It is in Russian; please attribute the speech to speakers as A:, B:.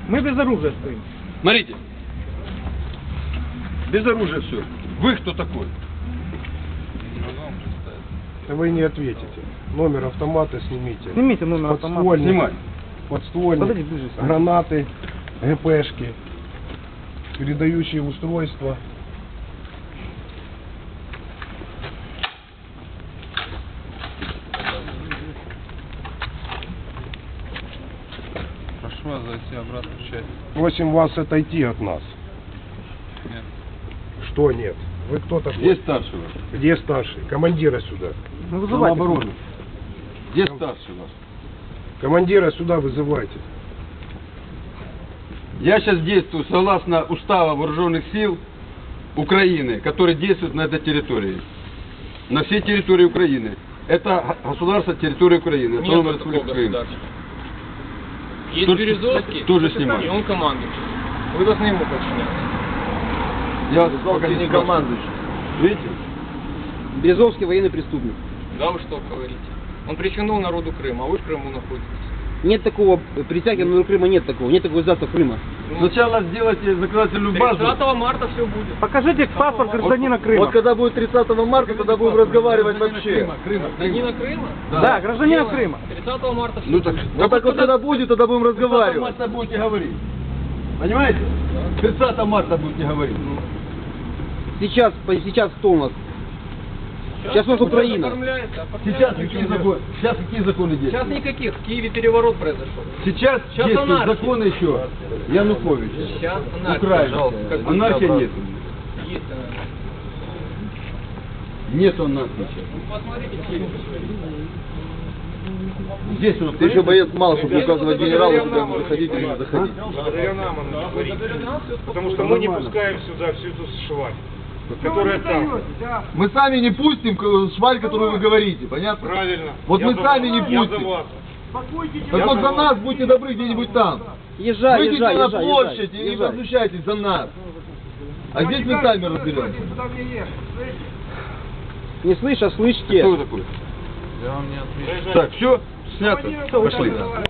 A: Мы без оружия стоим.
B: Смотрите. Без оружия все. Вы кто такой?
C: Вы не ответите. Номер автомата снимите.
A: Снимите номер автомата.
C: Подствольник,
B: Снимай.
C: подствольник,
A: Подойди ближе.
C: гранаты, ГПшки, передающие устройства.
D: Прошу вас зайти обратно в часть.
C: Просим вас отойти от нас.
D: Нет.
C: Что нет? Вы кто такой?
B: Где старший ваш?
C: Где старший? Командира сюда.
A: Ну, вызывайте.
B: Самообороны. Где старший ваш?
C: Командира сюда вызывайте.
B: Я сейчас действую согласно Устава Вооруженных сил Украины, который действует на этой территории. На всей территории Украины. Это государство территории Украины. Автономная Республика Крым.
E: Есть
B: Тоже-
E: Березовский,
B: тоже снимаю.
E: и он командующий. Вы должны ему подчиняться.
B: Я вас пока не командующий. Видите?
F: Березовский военный преступник.
E: Да вы что говорите? Он причинил народу Крыма, а вы в Крыму находитесь.
F: Нет такого, притяги на Крыма нет такого, нет такого издательства Крыма.
B: Сначала сделайте законодательную базу.
E: 30 марта все будет.
A: Покажите паспорт гражданина Крыма.
G: Вот когда будет 30 марта, тогда будем разговаривать вообще.
E: Гражданина Крыма?
A: Да, гражданина Крыма.
E: 30 марта все
B: Ну так,
E: будет.
G: Вот так вот когда будет, тогда будем
B: 30
G: разговаривать.
B: марта будете говорить. Понимаете? 30 марта будете говорить.
F: Сейчас кто у нас? Сейчас у нас Украина.
E: Оформляется,
B: Сейчас
E: оформляется.
B: какие законы
E: Сейчас
B: действуют?
E: никаких. В Киеве переворот произошел.
B: Сейчас действуют
E: анархия.
B: законы еще Януковича.
E: Сейчас анархия.
B: Украина.
E: Пожалуйста, как бы
B: Анархия
E: обратно.
B: нет.
E: Есть анархия.
B: Нет анархии сейчас.
E: Ну, посмотрите Киев.
B: Здесь он
G: Ты еще боец мало, чтобы указывать генералу, куда ему заходить или не заходить.
H: Благодаря нам она говорит. Потому что мы не пускаем сюда всю эту шваль, которая там.
G: Мы сами не пустим шваль, которую вы говорите, понятно?
H: Правильно.
G: Вот
H: Я
G: мы
H: за
G: сами
H: вас.
G: не
H: Я за
G: пустим.
H: вас.
G: Так вот за нас будьте добры где-нибудь там.
F: Езжай,
G: Выйдите
F: езжай,
G: на
F: езжай,
G: площадь и
F: езжай.
G: возмущайтесь за нас. А здесь мы сами разберемся.
F: Не слышь, а слышите.
B: Кто вы такой?
D: Я вам не отвечу.
B: Так, все, снято. Пошли.